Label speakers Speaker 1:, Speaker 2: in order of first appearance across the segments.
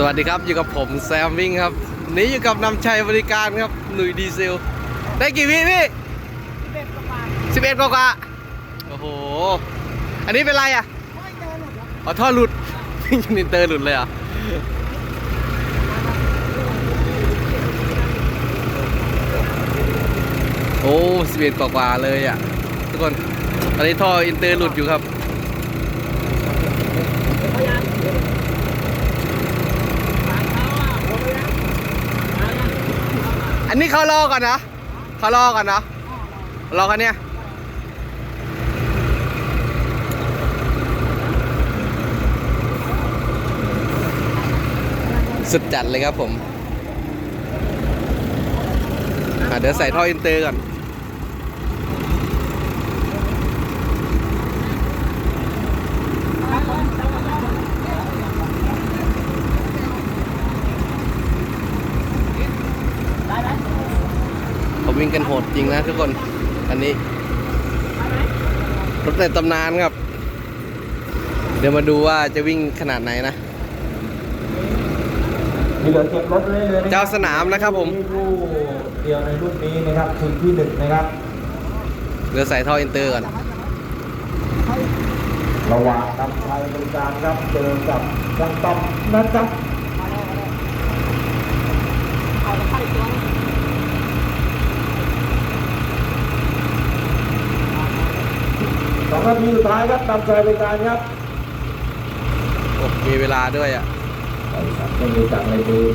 Speaker 1: วัสดีครับอยู่กับผมแซมวิ่งครับนี้อยู่กับนำชัยบริการครับหนุ่ยดีเซลได้กี่วิพี่11กว่าโอ้โหอันนี้เป็นไรอ่ะอ๋อท่อหลุดวิ่งจนอินเตอร์หลุดเลยอ่ะโอ้11กว่าเลยอ่ะทุกคนตอนนี้ท่ออินเตอร์หลุดอยู่ครับอันนี้เขารอก่อนนะเขารอก่อนนะรอกันเนี่ยสุดจัดเลยครับผมเดี๋ยวใส่ท่ออินเตอร์ก่อนเขาวิ่งกันโหดจริงนะทุกคนอันนี้รถในตำนานครับเดี๋ยวมาดูว่าจะวิ่งขนาดไหนนะ
Speaker 2: มีเหลือเก็บรถเลยเลย
Speaker 1: เจ้าสนามนะครับผม
Speaker 2: ผู้เดียวในรุ่นนี้นะครับชิงที่ 1นะครับ
Speaker 1: เดี๋ยวใส่ท่ออินเตอร์ก่อน
Speaker 2: ระหว่างนำชัยบริการครับเจอกับช่างต้อมนะครับ2 นาทีสุดท้ายครับนำชัยบริการครับ
Speaker 1: โอ้มีเวลาด้วยอ่ะ
Speaker 2: ไม่มีจังเลยดู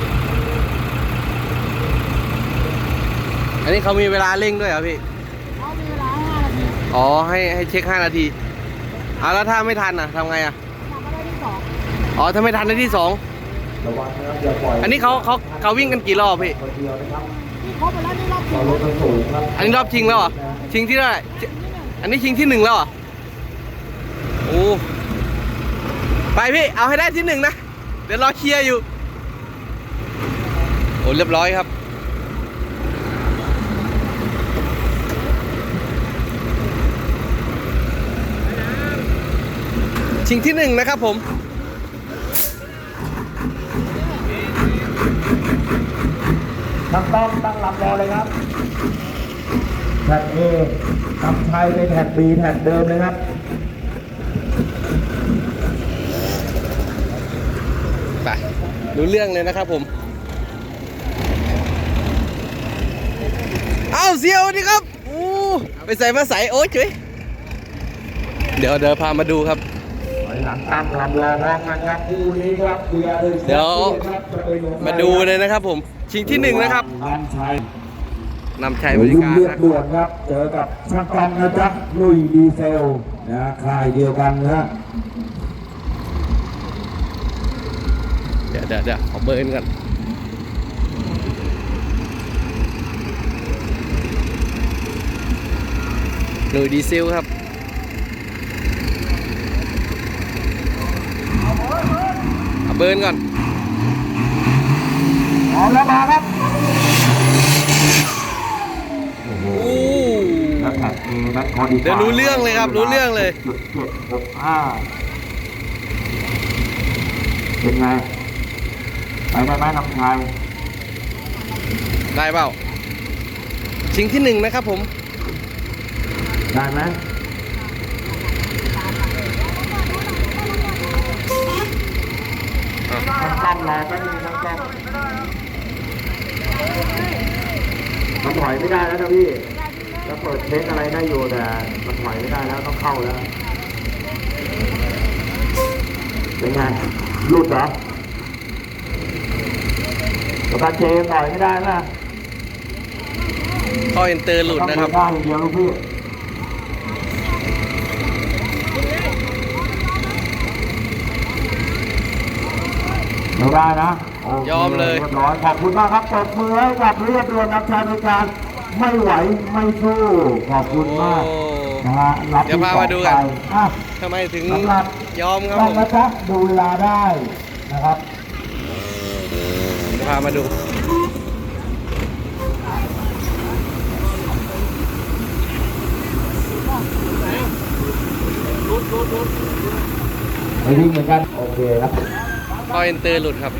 Speaker 1: อันนี้เขามีเวลาเร่งด้วยเหรอพี่เขามีเวลา5 นาทีอ๋อให้เช็ค5 นาทีแล้วถ้าไม่ทันอ่ะทำไงอ่ะได้ที่ 2อ๋อถ้าไม่ทันได้ที่ 2
Speaker 2: ระวังนะครับอย่าปล่อย
Speaker 1: อันนี้เขาวิ่งกันกี่รอบพี่
Speaker 2: เขาไปแล้วนี่รอบชิงรถมันสูงครับ
Speaker 1: อันนี้รอบชิงแล้วเหรอชิงที่เท่าไหร่อันนี้ชิงที่ 1แล้วเหรอโอ้ไปพี่เอาให้ได้ที่ 1นะเดี๋ยวรอเคลียร์อยู่โอ้เรียบร้อยครับชิงที่ 1นะครับผม
Speaker 2: ตั้งลำรอเลยครับแท็ก A นำชัยไปแท็ก B แท็กเดิมเลยครับ
Speaker 1: ไปรู้เรื่องเลยนะครับผมเอาเสียวดีครับไปใส่มาใส่โอ้ยเฉยเดี๋ยวพามาดูครับ
Speaker 2: หลังตั้งลำรอพร้อมกันครับคู่นี้ครับ
Speaker 1: เดี๋ยวมาดูเลยนะครับผมชิงที่ 1นะครับนำชัยบริการ
Speaker 2: เลือดด่วนครับเจอกับช่างกันนะจ๊ะลุยดีเซลนะค่ายเดียวกันนะ
Speaker 1: เดี๋ยวขอเบิร์นกันหน่วยดีเซลครับเอาเบิร์นก่อน
Speaker 2: เอาแล้วมาครับ
Speaker 1: เดี๋ยวรู้เรื่องเลยครับรู้เรื่องเลย
Speaker 2: เป็นไงไปได้ไหมน้ำชาย
Speaker 1: ได้เปล่าชิงที่ 1นะครับผม
Speaker 2: ได้ไหมต้องรอแป๊บนึงต้องมันถอยไม่ได้แล้วนะพี่จะเปิดเช็คอะไรได้อยู่แต่มันถอยไม่ได้แล้วต้องเข้าแล้วเป็นไงหลุดเหรอกับการเจมถอยไม่ได้นะ
Speaker 1: ข้ออินเตอร์หลุดนะครับ
Speaker 2: ได้อย่างเดียวลูกพี่ไม่ได้นะ
Speaker 1: ยอมเลย
Speaker 2: เรียบร้อยขอบคุณมากครับปรบมือให้กับเรียบด่วนนำชัยบริการไม่ไหวไม่สู้ขอบคุณมากนะฮะ
Speaker 1: เดี๋ยวพามาดูกันทำไมถึงยอมครับผม
Speaker 2: นะครับดูเวลาได้นะครับ
Speaker 1: พามาดู
Speaker 2: ไปวิ่งเหมือนกันโอเคครับ
Speaker 1: ท่อเอนเตอร์หลุดครับ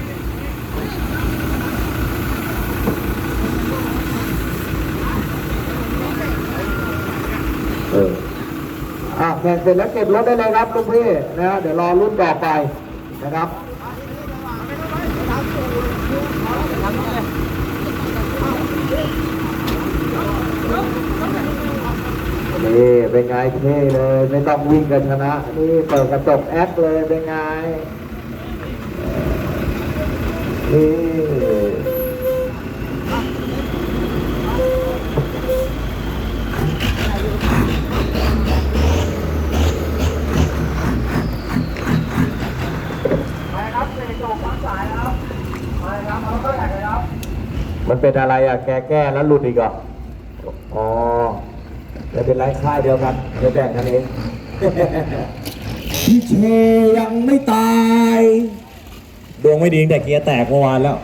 Speaker 2: แข่งเสร็จแล้วเก็บรถได้เลยครับลูกพี่นะเดี๋ยวรอรุ่นต่อไปนะครับนี่เป็นไงเท่เลยไม่ต้องวิ่งกันชนะนี่เปิดกระจกแอคเลยเป็นไงนี่มันเป็นอะไรอ่ะแก้แล้วหลุดอีกเหรออ๋อจะเป็นไรค่ายเดียวกันเดี๋ยวแบ่งกันเองพี่เชยังไม่ตายดวงไม่ดีแต่เกียร์แตกเมื่อวานแล้ว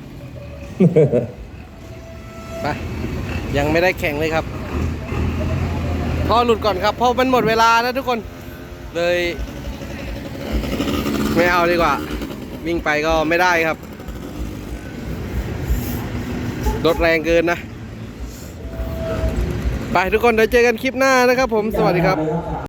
Speaker 1: ไปยังไม่ได้แข่งเลยครับท่อหลุดก่อนครับเพราะมันหมดเวลาแล้วทุกคนเลยไม่เอาดีกว่าวิ่งไปก็ไม่ได้ครับรถแรงเกินนะไปทุกคนเดี๋ยวเจอกันคลิปหน้านะครับผมสวัสดีครับ